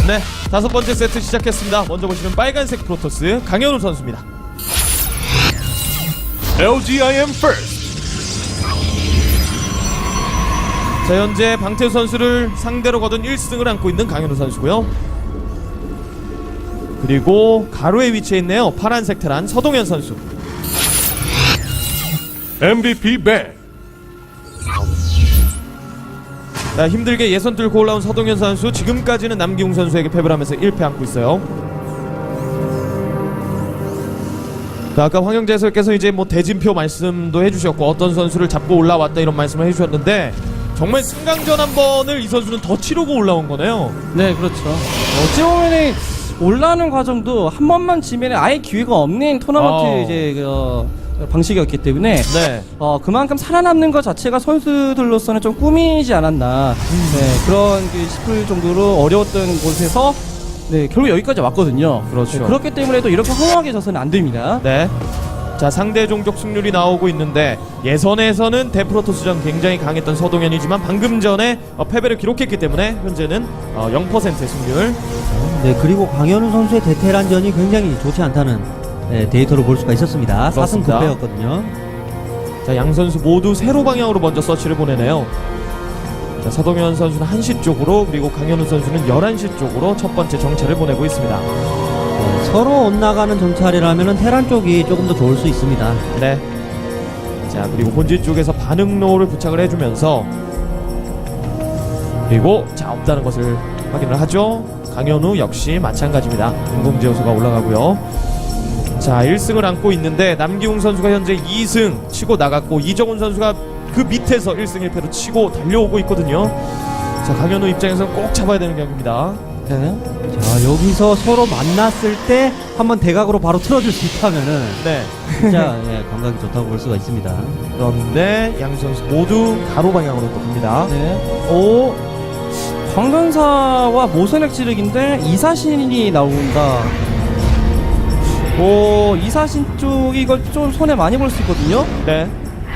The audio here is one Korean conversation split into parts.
네, 5번째 세트 시작했습니다. 먼저 보시는 빨간색 프로토스 강현우 선수입니다. LGIM first. 자, 현재 방태우 선수를 상대로 거둔 1승을 안고 있는 강현우 선수고요. 그리고 가로에 위치해 있네요. 파란색 테란 서동현 선수. MVP 백. 자, 힘들게 예선 뚫고 올라온 서동현 선수, 지금까지는 남기웅 선수에게 패배를 하면서 1패 안고 있어요. 자, 아까 황영재 해설께서 이제 뭐 대진표 말씀도 해주셨고 어떤 선수를 잡고 올라왔다 이런 말씀을 해주셨는데 정말 승강전 한 번을 이 선수는 더 치르고 올라온 거네요. 네, 그렇죠. 어찌 보면은 올라오는 과정도 한 번만 지면 아예 기회가 없는 토너먼트 이제 방식이었기 때문에 네. 그만큼 살아남는 것 자체가 선수들로서는 좀 꿈이지 않았나. 네, 그런 싶을 정도로 어려웠던 곳에서 네, 결국 여기까지 왔거든요. 그렇죠. 네, 그렇기 때문에 또 이렇게 허무하게 져서는 안 됩니다. 네. 자, 상대 종족 승률이 나오고 있는데 예선에서는 대프로토스전 굉장히 강했던 서동현이지만 방금 전에 패배를 기록했기 때문에 현재는 0%의 승률. 네, 그리고 강현우 선수의 대테란전이 굉장히 좋지 않다는 데이터를 볼 수가 있었습니다. 4승 그렇습니다. 9패였거든요. 자, 양 선수 모두 세로 방향으로 먼저 서치를 보내네요. 자, 서동현 선수는 1시 쪽으로, 그리고 강현우 선수는 11시 쪽으로 첫 번째 정찰을 보내고 있습니다. 서로 엇나가는 정찰이라면 테란 쪽이 조금 더 좋을 수 있습니다. 네. 자, 그리고 본진 쪽에서 반응로를 부착을 해주면서, 그리고 자, 없다는 것을 확인을 하죠. 강현우 역시 마찬가지입니다. 인공지어수가 올라가고요. 자, 1승을 안고 있는데 남기웅 선수가 현재 2승 치고 나갔고 이정훈 선수가 그 밑에서 1승 1패로 치고 달려오고 있거든요. 자, 강현우 입장에서는 꼭 잡아야 되는 경기입니다. 네. 자, 여기서 서로 만났을 때 한번 대각으로 바로 틀어줄 수 있다면은 네. 진짜 감각이 좋다고 볼 수가 있습니다. 그런데 양 선수 모두 가로 방향으로 또 갑니다. 네. 오, 광전사와 모선액 지르기인데 이사신이 나온다. 오, 이사신 쪽이 이걸 좀 손해 많이 볼 수 있거든요. 네.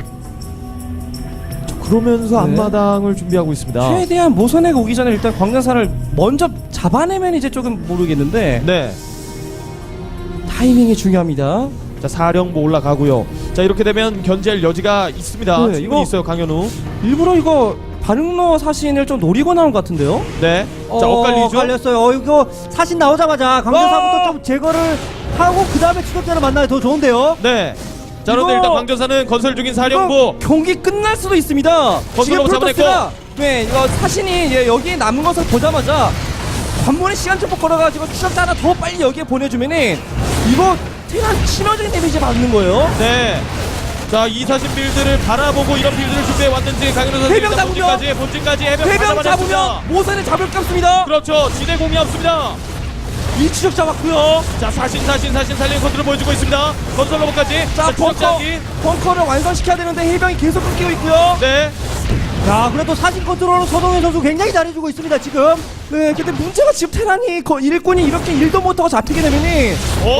자, 그러면서 네. 앞마당을 준비하고 있습니다. 최대한 모선액 오기 전에 일단 광전사를 먼저 잡아내면 이제 조금 모르겠는데 네. 타이밍이 중요합니다. 자, 사령부 올라가고요. 자, 이렇게 되면 견제할 여지가 있습니다. 네, 충분히 이거- 있어요, 강현우. 일부러 이거 반응로 사신을 좀 노리고 나온 것 같은데요? 네. 자, 엇갈리죠? 엇갈렸어요. 이거 사신 나오자마자 강전사부터 좀 제거를 하고 그 다음에 추격자를 만나야 더 좋은데요. 네. 자, 그런데 이거- 일단 광전사는 건설 중인 이거 사령부. 경기 끝날 수도 있습니다. 지금 건설로 프로토스가 네, 이거 사신이 여기에 남은 것을 보자마자 관문에 시간 좀 걸어가지고 추적자 하나 더 빨리 여기에 보내주면은 이거 테란 치명적인 데미지 받는 거예요. 네. 자, 이사신 빌드를 바라보고 이런 빌드를 준비해 왔는지 강현우 선수 해병 일단 잡으면- 본진까지 해병 해병 받아봤습니다. 잡으면 모선을 잡을 게 없습니다. 그렇죠. 지대 공이 없습니다. 이 추적자 맞고요. 자, 사신 살리는 컨트롤 보여주고 있습니다. 건설 로봇까지. 자, 추적자기. 벙커를 완성시켜야 되는데 해병이 계속 끊기고 있고요. 네. 자, 그래도 사신 컨트롤로 서동현 선수 굉장히 잘해주고 있습니다, 지금. 네, 근데 문제가 지금 테란이 일꾼이 이렇게 일도 못하고 잡히게 되면은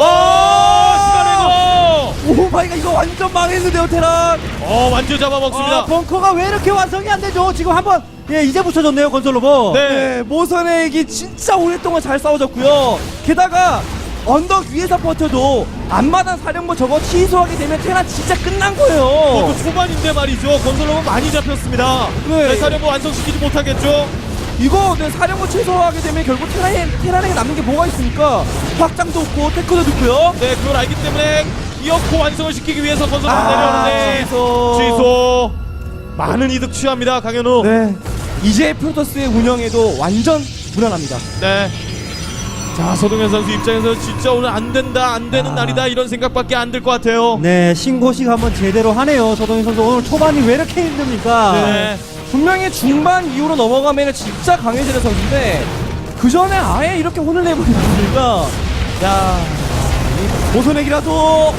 시간이고. 오마이갓 이거 완전 망했는데요 테란. 완전 잡아먹습니다. 아, 벙커가 왜 이렇게 완성이 안 되죠? 지금 한번 이제 붙여줬네요, 건설 로봇. 네. 네, 모선액이 진짜 오랫동안 잘 싸워졌고요. 게다가 언덕 위에서 버텨도 앞마당 사령부 저거 취소하게 되면 테란 진짜 끝난 거예요. 그것도 초반인데 말이죠. 건설 로봇 많이 잡혔습니다. 네. 네, 사령부 완성시키지 못하겠죠. 이거 네, 사령부 취소하게 되면 결국 테란에게 남는 게 뭐가 있습니까? 확장도 없고 테크도 없고요. 네, 그걸 알기 때문에 이어코 완성을 시키기 위해서 건설 로봇 내려오는데 취소. 많은 이득 취합니다, 강현우. 네, 이제 프로토스의 운영에도 완전 무난합니다. 네. 자, 서동현 선수 입장에서 진짜 오늘 안 된다, 안 되는 날이다 이런 생각밖에 안 들 것 같아요. 네, 신고식 한번 제대로 하네요, 서동현 선수. 오늘 초반이 왜 이렇게 힘듭니까? 네. 분명히 중반 이후로 넘어가면 진짜 강해지는 선수인데 그 전에 아예 이렇게 혼을 내버리는 거니까 야, 보선액이라도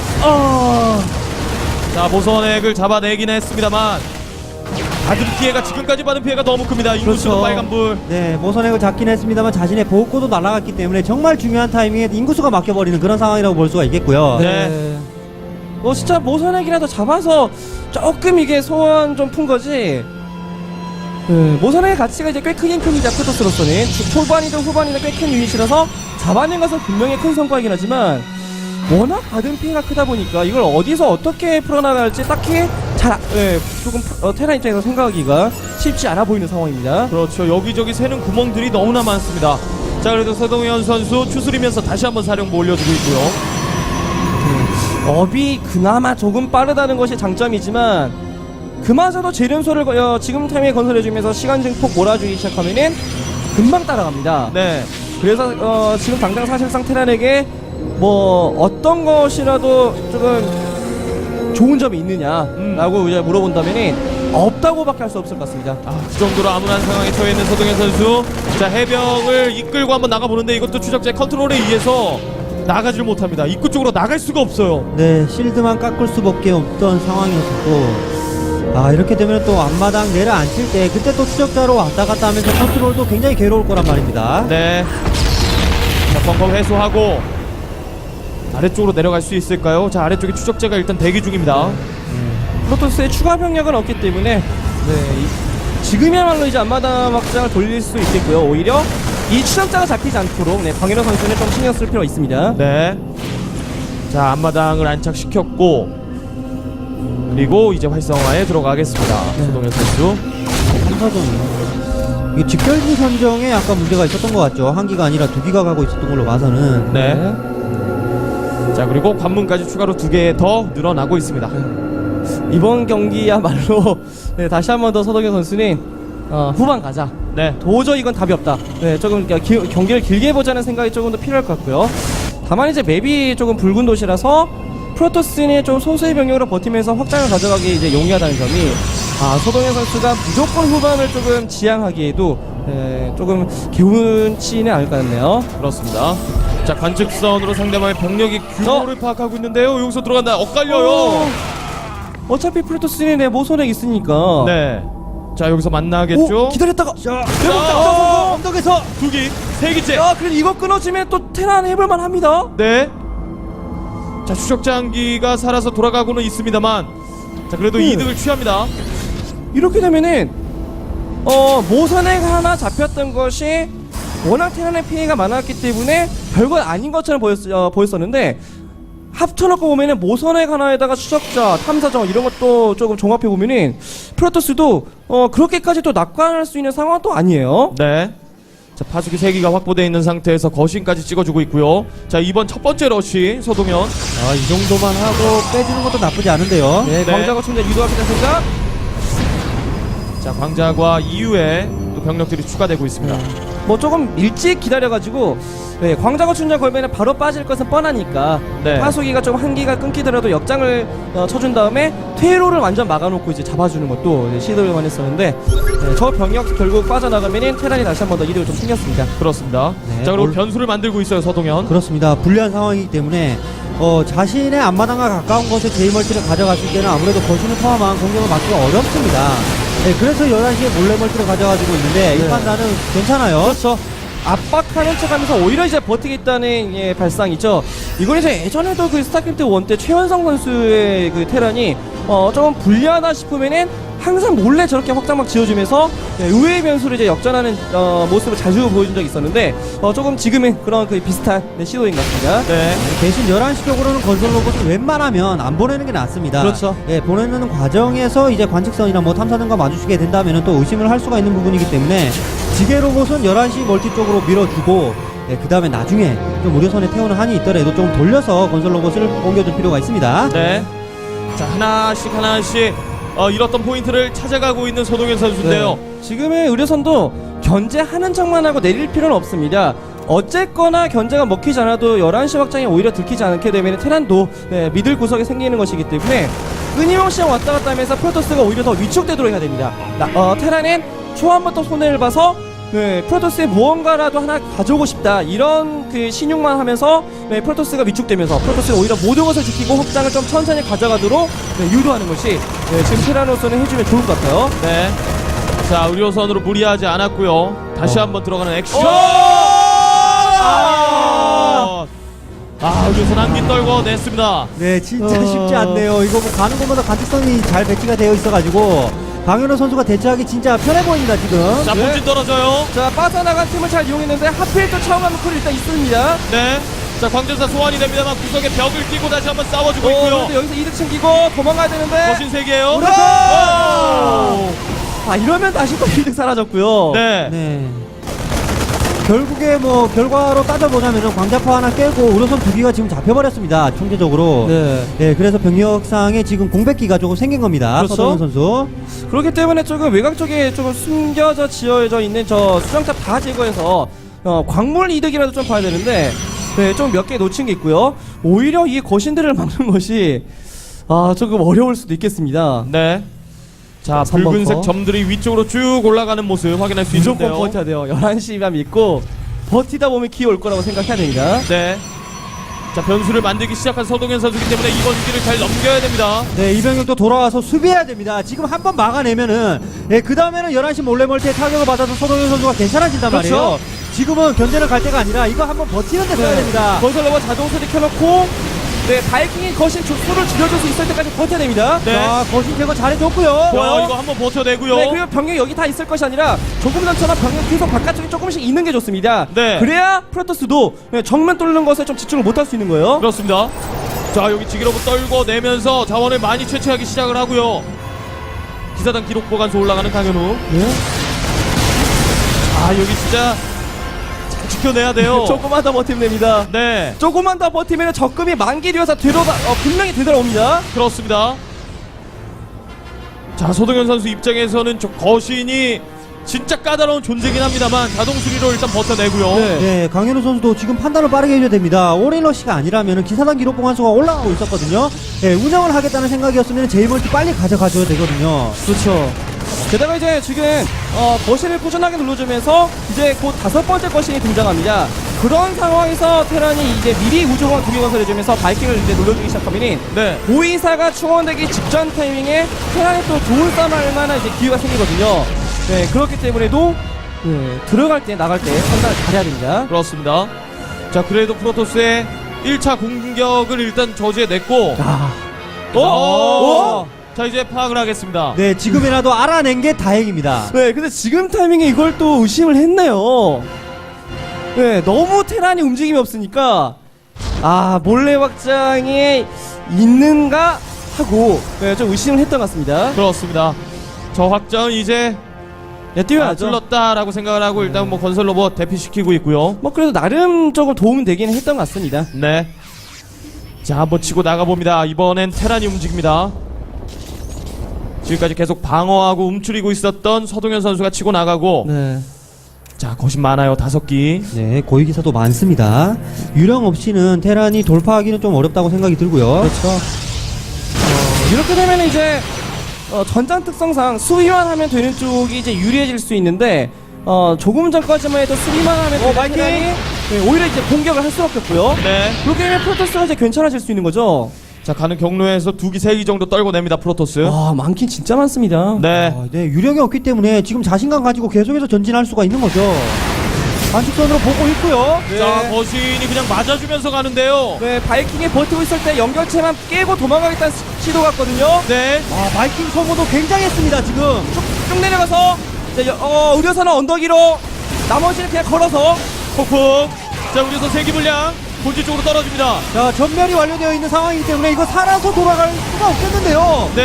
자, 모선액을 잡아내긴 했습니다만 받은 피해가, 지금까지 받은 피해가 너무 큽니다. 인구수도 그렇죠. 빨간불. 네, 모선액을 잡긴 했습니다만 자신의 보호코도 날아갔기 때문에 정말 중요한 타이밍에 인구수가 막혀버리는 그런 상황이라고 볼 수가 있겠고요. 네. 뭐 진짜 모선액이라도 잡아서 조금 이게 소원 좀 푼 거지. 모선의 가치가 이제 꽤 크긴 큽니다. 프로토스로서는 초반이든 후반이든 꽤 큰 유닛이라서 잡아낸 것은 분명히 큰 성과이긴 하지만 워낙 받은 피해가 크다 보니까 이걸 어디서 어떻게 풀어나갈지 딱히 조금 테란 입장에서 생각하기가 쉽지 않아 보이는 상황입니다. 그렇죠. 여기저기 새는 구멍들이 너무나 많습니다. 자, 그래도 서동현 선수 추스리면서 다시 한번 사령부 올려주고 있고요. 업이 그나마 조금 빠르다는 것이 장점이지만 그마저도 재련소를 지금 타이밍에 건설해주면서 시간 증폭 몰아주기 시작하면은 금방 따라갑니다. 네. 그래서 지금 당장 사실상 테란에게 뭐 어떤 것이라도 조금 좋은 점이 있느냐라고 이제 물어본다면은 없다고밖에 할 수 없을 것 같습니다. 그 정도로 암울한 상황에 처해 있는 서동현 선수. 자, 해병을 이끌고 한번 나가보는데 이것도 추적자의 컨트롤에 의해서 나가질 못합니다. 입구 쪽으로 나갈 수가 없어요. 네, 실드만 깎을 수밖에 없던 상황이었고 이렇게 되면 또 앞마당 내려앉힐 때 그때 또 추적자로 왔다 갔다 하면서 컨트롤도 굉장히 괴로울 거란 말입니다. 네. 자, 벙커 회수하고 아래쪽으로 내려갈 수 있을까요? 자, 아래쪽에 추적자가 일단 대기 중입니다. 프로토스의 추가 병력은 없기 때문에 지금이야말로 이제 앞마당 확장을 돌릴 수 있겠고요. 오히려 이 추적자가 잡히지 않도록 광현호 선수는 좀 신경 쓸 필요가 있습니다. 네. 자, 앞마당을 안착시켰고 그리고 이제 활성화에 들어가겠습니다. 서동현 선수. 탐사정이 이게 직결지 선정에 약간 문제가 있었던 것 같죠. 한 기가 아니라 두 기가 가고 있었던 걸로 봐서는. 네. 자, 그리고 관문까지 추가로 2개 더 늘어나고 있습니다. 이번 경기야말로 다시 한 번 더 서동현 선수는 후반 가자. 네. 도저히 이건 답이 없다. 조금 경기를 길게 보자는 생각이 조금 더 필요할 것 같고요. 다만 이제 맵이 조금 붉은 도시라서 프로토스는 좀 소수의 병력으로 버티면서 확장을 가져가기 이제 용이하다는 점이 서동현 선수가 무조건 후반을 조금 지향하기에도 조금 개운치는 않을 것 같네요. 그렇습니다. 자, 관측선으로 상대방의 병력이 규모를 파악하고 있는데요. 여기서 들어간다. 엇갈려요. 어차피 프로토스는 내 모선액 있으니까. 네. 자, 여기서 만나겠죠. 기다렸다가 언덕에서 2기, 3기째. 그래도 이거 끊어지면 또 테란 해볼만 합니다. 네. 자, 추적자 한기가 살아서 돌아가고는 있습니다만, 자, 그래도 이득을 취합니다. 이렇게 되면은 모선액 하나 잡혔던 것이 워낙 테란의 피해가 많았기 때문에 별거 아닌 것처럼 보였었는데 합쳐놓고 보면은 모선액 하나에다가 추적자, 탐사정 이런 것도 조금 종합해 보면은 프로토스도 그렇게까지 또 낙관할 수 있는 상황은 또 아니에요. 네. 자, 파수기 3기가 확보되어 있는 상태에서 거신까지 찍어주고 있고요. 자, 이번 첫 번째 러쉬 서동현. 이 정도만 하고 빼주는 것도 나쁘지 않은데요. 네, 네. 광자가 충전 유도하겠다 생각. 자, 광자과 이후에 또 병력들이 추가되고 있습니다. 뭐 조금 일찍 기다려가지고 광자거 충전 걸면은 바로 빠질 것은 뻔하니까 네. 파수기가 좀 한기가 끊기더라도 역장을 쳐준 다음에 퇴로를 완전 막아놓고 이제 잡아주는 것도 이제 시도를만 했었는데 저 병력 결국 빠져나가면은 테란이 다시 한 번 더 이득을 좀 챙겼습니다. 그렇습니다. 네, 자, 그리고 올- 변수를 만들고 있어요 서동현. 그렇습니다. 불리한 상황이기 때문에 자신의 앞마당과 가까운 곳에 제이멀티를 가져갔을 때는 아무래도 거신을 포함한 공격을 막기가 어렵습니다. 네, 그래서 11시에 몰래 멀티를 가져가지고 있는데 이 판단은 괜찮아요. 그렇죠. 압박하는 척하면서 오히려 이제 버티겠다는 발상이죠. 이건 이제 예전에도 그 스타크래프트 1 때 최원성 선수의 그 테란이 조금 불리하다 싶으면은 항상 몰래 저렇게 확장막 지어주면서 의외의 변수를 이제 역전하는 모습을 자주 보여준 적이 있었는데 조금 지금은 그런 그 비슷한 시도인 것 같습니다. 네. 대신 11시 쪽으로는 건설 로봇을 웬만하면 안 보내는 게 낫습니다. 그렇죠. 예, 보내는 과정에서 이제 관측선이나 뭐 탐사선과 마주치게 된다면 또 의심을 할 수가 있는 부분이기 때문에 지게 로봇은 11시 멀티 쪽으로 밀어주고 그 다음에 나중에 좀 우려선에 태우는 한이 있더라도 좀 돌려서 건설 로봇을 옮겨줄 필요가 있습니다. 네. 자, 하나씩 잃었던 포인트를 찾아가고 있는 서동현 선수인데요. 지금의 의료선도 견제하는 척만 하고 내릴 필요는 없습니다. 어쨌거나 견제가 먹히지 않아도 11시 확장이 오히려 들키지 않게 되면 테란도 믿을 구석이 생기는 것이기 때문에 끊임없이 왔다 갔다 하면서 프로토스가 오히려 더 위축되도록 해야 됩니다. 테란은 초반부터 손해를 봐서 프로토스의 무언가라도 하나 가져오고 싶다 이런 그 신용만 하면서 프로토스가 위축되면서 프로토스가 오히려 모든 것을 지키고 확장을 좀 천천히 가져가도록 유도하는 것이 지금 테란으로서는 해주면 좋을 것 같아요. 네. 자, 의료선으로 무리하지 않았고요. 다시 한번 들어가는 액션. 의료선 한기 떨고 냈습니다. 네, 진짜 쉽지 않네요. 이거 뭐 가는 곳마다 관측선이 잘 배치가 되어 있어가지고 강현우 선수가 대처하기 진짜 편해 보입니다 지금. 자, 본진 떨어져요. 자, 빠져나간 틈을 잘 이용했는데 하필 또 처음 하는 콜이 일단 있습니다. 네. 자, 광전사 소환이 됩니다만 구석에 벽을 끼고 다시 한번 싸워주고 있고요. 그런데 여기서 이득 챙기고 도망가야 되는데. 거신 3개예요. 그렇죠! 아, 이러면 다시 또 이득 사라졌고요. 네. 네. 결국에 뭐 결과로 따져보자면은 광자포 하나 깨고 우려선 2기가 지금 잡혀버렸습니다 총체적으로. 네. 네, 그래서 병력상에 지금 공백기가 조금 생긴 겁니다. 그렇죠. 서동현 선수. 그렇기 때문에 조금 외곽 쪽에 조금 숨겨져 지어져 있는 저 수정탑 다 제거해서 광물 이득이라도 좀 봐야 되는데, 네, 좀 몇 개 놓친 게 있고요. 오히려 이 거신들을 막는 것이 조금 어려울 수도 있겠습니다. 네. 자, 3번 붉은색 거. 점들이 위쪽으로 쭉 올라가는 모습 확인할 수 무조건 있는데요. 버텨야 돼요. 11시만 믿고 버티다 보면 기회 올 거라고 생각해야 됩니다. 네. 자, 변수를 만들기 시작한 서동현 선수이기 때문에 이번 위기를 잘 넘겨야 됩니다. 네, 이병력도 돌아와서 수비해야 됩니다. 지금 한 번 막아내면은, 네, 그 다음에는 11시 몰래 멀티에 타격을 받아서 서동현 선수가 괜찮아진단 그렇죠. 말이에요. 지금은 견제를 갈 때가 아니라 이거 한번 버티는 데 써야 됩니다. 건설로버 자동 소리 켜놓고, 네, 바이킹이 거신 수를 줄여줄 수 있을 때까지 버텨야 됩니다. 네. 자, 거신 제거 잘해줬고요. 좋아요. 이거 한번 버텨내고요. 네, 그리고 병력이 여기 다 있을 것이 아니라 조금 전처럼 병력 계속 바깥쪽에 조금씩 있는 게 좋습니다. 네. 그래야 프로토스도 정면 뚫는 것에 좀 집중을 못할 수 있는 거예요. 그렇습니다. 자, 여기 지기로부 떨고 내면서 자원을 많이 채취하기 시작을 하고요. 기사단 기록 보관소 올라가는 강현우. 네. 아, 여기 진짜 잘 지켜내야 돼요. 조금만 더 버티면 됩니다. 네, 조금만 더 버티면 적금이 만기 되어서 분명히 되돌아옵니다. 그렇습니다. 자, 서동현 선수 입장에서는 저 거신이 진짜 까다로운 존재긴 합니다만 자동 수리로 일단 버텨내고요. 네. 네, 강현우 선수도 지금 판단을 빠르게 해줘야 됩니다. 오레인러시가 아니라면 기사단 기록 보관소가 올라가고 있었거든요. 네, 운영을 하겠다는 생각이었으면 제이멀티 빨리 가져가줘야 되거든요. 그렇죠. 게다가 이제 지금 거신을 꾸준하게 눌러주면서 이제 곧 5번째 거신이 등장합니다. 그런 상황에서 테란이 이제 미리 우주공항 2개 건설해주면서 바이킹을 이제 눌러주기 시작하면은 네. 고의사가 충원되기 직전 타이밍에 테란이 또 좋은 싸움할 만한 이제 기회가 생기거든요. 네, 그렇기 때문에도 네, 들어갈 때 나갈 때 판단을 잘해야 됩니다. 그렇습니다. 자, 그래도 프로토스의 1차 공격을 일단 저지해냈고 자, 이제 파악을 하겠습니다. 네, 지금이라도 알아낸 게 다행입니다. 네, 근데 지금 타이밍에 이걸 또 의심을 했네요. 네, 너무 테란이 움직임이 없으니까 몰래 확장이 있는가 하고 네, 좀 의심을 했던 것 같습니다. 그렇습니다. 저 확정은 이제 네, 뛰어야죠. 뚫렸다라고 생각을 하고 일단 뭐 건설 로봇 대피시키고 있고요. 뭐 그래도 나름 조금 도움이 되기는 했던 것 같습니다. 네. 자, 한번 치고 나가봅니다. 이번엔 테란이 움직입니다. 지금까지 계속 방어하고 움츠리고 있었던 서동현 선수가 치고 나가고 네. 자, 거신 많아요. 5기. 네, 고위기사도 많습니다. 유령 없이는 테란이 돌파하기는 좀 어렵다고 생각이 들고요. 그렇죠. 이렇게 되면 이제 전장 특성상 수비만 하면 되는 쪽이 이제 유리해질 수 있는데 조금 전까지만 해도 수비만 하면 되는 마이킹! 테란이 오히려 이제 공격을 할 수밖에 없고요. 네. 그렇게 되면 프로토스가 이제 괜찮아질 수 있는 거죠. 자, 가는 경로에서 2기, 3기 정도 떨궈냅니다. 프로토스. 많긴 진짜 많습니다. 네. 네, 유령이 없기 때문에 지금 자신감 가지고 계속해서 전진할 수가 있는 거죠. 관측선으로 보고 있고요. 자, 거신이 그냥 맞아주면서 가는데요. 네, 바이킹이 버티고 있을 때 연결체만 깨고 도망가겠다는 시도 같거든요. 네. 바이킹 소모도 굉장했습니다, 지금. 쭉 내려가서 이제 의료선은 언덕 위로 나머지는 그냥 걸어서 폭풍. 자, 우리선 3기 분량 본진 쪽으로 떨어집니다. 자, 전멸이 완료되어 있는 상황이기 때문에 이거 살아서 돌아갈 수가 없겠는데요. 네.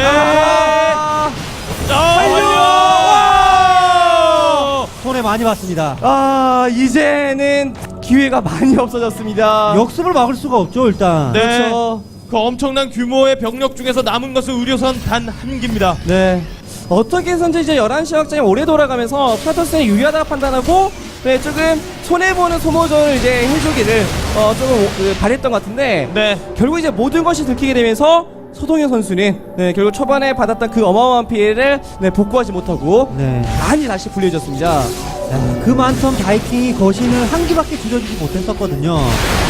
완료! 손해 많이 봤습니다. 이제는 기회가 많이 없어졌습니다. 역습을 막을 수가 없죠, 일단. 네. 그렇죠. 그 엄청난 규모의 병력 중에서 남은 것은 의료선 단 한 기입니다. 네. 어떻게 해서든지 이제 11시 확장이 오래 돌아가면서 프로토스는 유리하다고 판단하고 네, 조금 손해보는 소모전을 이제 해주기를 조금 바랬던 것 같은데 네. 결국 이제 모든 것이 들키게 되면서 서동현 선수는 네, 결국 초반에 받았던 그 어마어마한 피해를 네, 복구하지 못하고 네. 많이 다시 불리해졌습니다. 그 많던 바이킹이 거신을 한 기밖에 줄여주지 못했었거든요.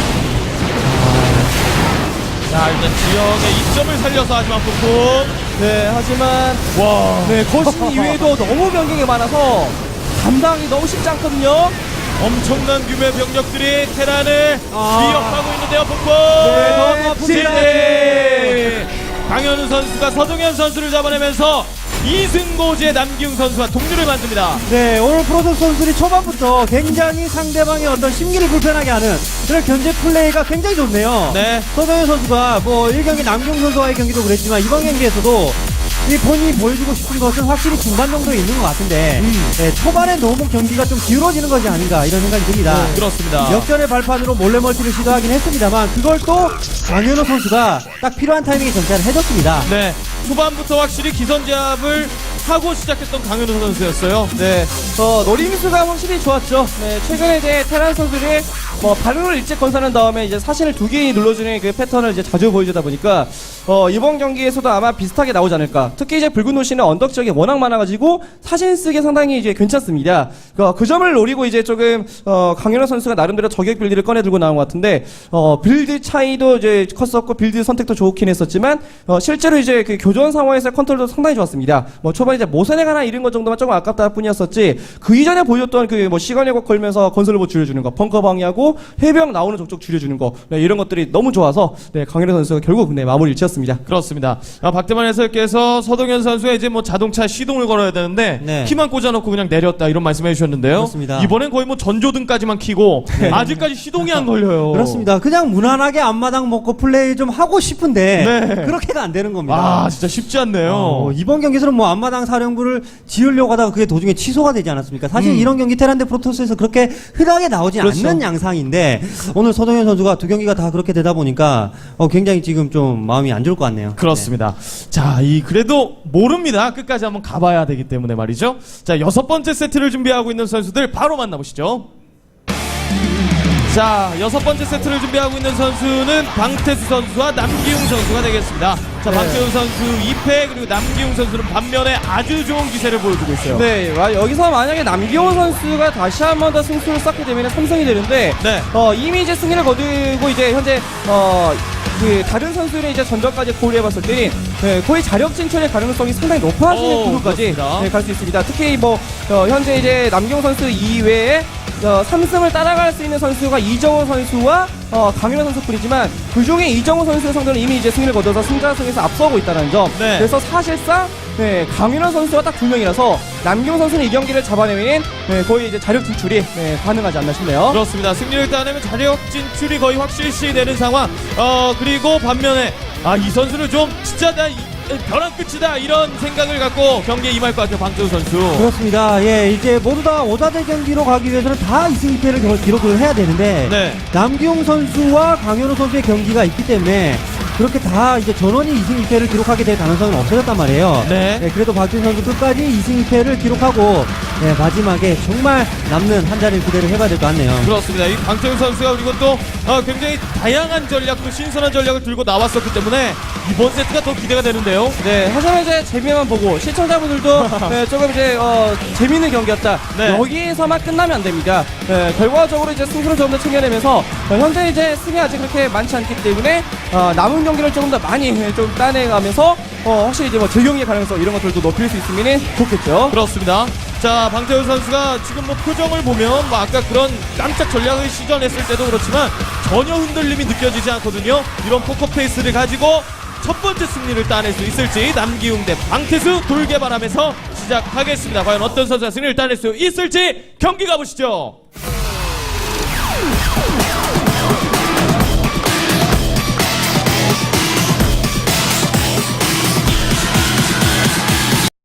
자, 일단 지역의 이점을 살려서 하지만 폭풍. 네, 하지만 와. 네, 거신 이외에도 너무 변경이 많아서 감당이 너무 쉽지 않거든요. 엄청난 규모의 병력들이 테란을 위협하고 있는데요. 폭풍. 네, 너무 아픕니다. 강현우 선수가 서동현 선수를 잡아내면서 이승고지의 남기웅 선수와 동률을 만듭니다. 네, 오늘 프로토스 선수들이 초반부터 굉장히 상대방의 어떤 심기를 불편하게 하는 그런 견제 플레이가 굉장히 좋네요. 네. 서동현 선수가 뭐 1경기 남경 선수와의 경기도 그랬지만 이번 경기에서도 이 본인이 보여주고 싶은 것은 확실히 중반 정도에 있는 것 같은데 네, 초반에 너무 경기가 좀 기울어지는 것이 아닌가 이런 생각이 듭니다. 그렇습니다. 역전의 발판으로 몰래 멀티를 시도하긴 했습니다만 그걸 또 강현우 선수가 딱 필요한 타이밍에 전차를 해줬습니다. 네. 초반부터 확실히 기선제압을 하고 시작했던 강현우 선수였어요. 네, 노림수가 확실히 좋았죠. 네, 최근에 이제 테란 선수들이 뭐 발로를 일찍 건사한 다음에 이제 사신을 2개 눌러주는 그 패턴을 이제 자주 보여주다 보니까 이번 경기에서도 아마 비슷하게 나오지 않을까. 특히 이제 붉은 도시는 언덕 지역이 워낙 많아가지고 사신 쓰기 상당히 이제 괜찮습니다. 그 점을 노리고 이제 조금 강현우 선수가 나름대로 저격 빌드를 꺼내들고 나온 것 같은데 빌드 차이도 이제 컸었고 빌드 선택도 좋긴 했었지만 실제로 이제 그 교전 상황에서 컨트롤도 상당히 좋았습니다. 뭐 초반에 이제 모선에 가나 이런 것 정도만 조금 아깝다 뿐이었었지 그 이전에 보여줬던 그 뭐 시간 왜곡 걸면서 건설로봇 줄여주는 거, 벙커 방해하고 해병 나오는 족족 줄여주는 거, 네, 이런 것들이 너무 좋아서 네, 강현우 선수가 결국 네, 마무리를 지었습니다. 그렇습니다. 박대만 해설께서 서동현 선수가 이제 뭐 자동차 시동을 걸어야 되는데 네. 키만 꽂아놓고 그냥 내렸다 이런 말씀해 주셨는데요. 그렇습니다. 이번엔 거의 뭐 전조등까지만 켜고 아직까지 시동이 안 걸려요. 그렇습니다. 그냥 무난하게 앞마당 먹고 플레이 좀 하고 싶은데 네. 그렇게가 안 되는 겁니다. 아 진짜 쉽지 않네요. 이번 경기에서는 뭐 앞마당 사령부를 지으려고 하다가 그게 도중에 취소가 되지 않았습니까? 사실 이런 경기 테란데 프로토스에서 그렇게 흔하게 나오지 그렇죠. 않는 양상인데 오늘 서동현 선수가 두 경기가 다 그렇게 되다 보니까 굉장히 지금 좀 마음이 안 좋을 것 같네요. 그렇습니다. 자, 그래도 모릅니다. 끝까지 한번 가봐야 되기 때문에 말이죠. 자, 6번째 세트를 준비하고 있는 선수들 바로 만나보시죠. 자, 6번째 세트를 준비하고 있는 선수는 방태수 선수와 남기웅 선수가 되겠습니다. 자, 방태수 선수 2패 그리고 남기웅 선수는 반면에 아주 좋은 기세를 보여주고 있어요. 네, 여기서 만약에 남기호 선수가 다시 한 번 더 승수를 쌓게 되면 3승이 되는데 네. 이미 이제 승리를 거두고 이제 현재 그 다른 선수들의 이제 전적까지 고려해봤을 때 거의 자력 진출의 가능성이 상당히 높아지는 구도까지 그렇습니다. 갈 수 있습니다. 특히 뭐 현재 이제 남기호 선수 이외에 3승을 따라갈 수 있는 선수가 이정호 선수와 강윤호 선수뿐이지만 그 중에 이정호 선수의 성적은 이미 이제 승리를 거둬서 승자승에서 앞서고 있다는 점. 네. 그래서 사실상 강윤호 선수가 딱 2명이라서 남기호 선수는 이 경기를 잡아내면 거의 이제 자력 진출이 가능하지 않나 싶네요. 그렇습니다. 승리를 따내면 자력 진출이 거의 확실시 되는 상황. 그리고 반면에 이 선수는 좀 진짜 벼랑 끝이다 이런 생각을 갖고 경기에 임할 것 같아요. 방태수 선수. 그렇습니다. 예, 이제 모두 다 5자대 경기로 가기 위해서는 다 2승 2패를 기록을 해야 되는데 네. 남기용 선수와 강현우 선수의 경기가 있기 때문에 그렇게 다 이제 전원이 2승 2패를 기록하게 될 가능성은 없어졌단 말이에요. 네. 그래도 박준 선수 끝까지 2승 2패를 기록하고 마지막에 정말 남는 한 자리를 기대를 해봐야 될 것 같네요. 그렇습니다. 이 방태훈 선수가 그리고 또 굉장히 다양한 전략도 신선한 전략을 들고 나왔었기 때문에 이번 세트가 더 기대가 되는데요. 네, 하지만 이제 재미만 보고 시청자분들도 조금 이제 재밌는 경기였다. 네. 여기에서만 끝나면 안 됩니다. 결과적으로 이제 승수를 조금 더 챙겨내면서 현재 이제 승이 아직 그렇게 많지 않기 때문에 남은 경기를 조금 더 많이 좀 따내가면서 확실히 이제 뭐 재경기의 가능성 이런 것들도 높일 수 있으면 좋겠죠. 그렇습니다. 자, 방태훈 선수가 지금 뭐 표정을 보면 뭐 아까 그런 깜짝 전략을 시전했을 때도 그렇지만 전혀 흔들림이 느껴지지 않거든요. 이런 포커페이스를 가지고 첫 번째 승리를 따낼 수 있을지 남기웅 대 방태수 돌개바람에서 시작하겠습니다. 과연 어떤 선수가 승리를 따낼 수 있을지 경기 가보시죠.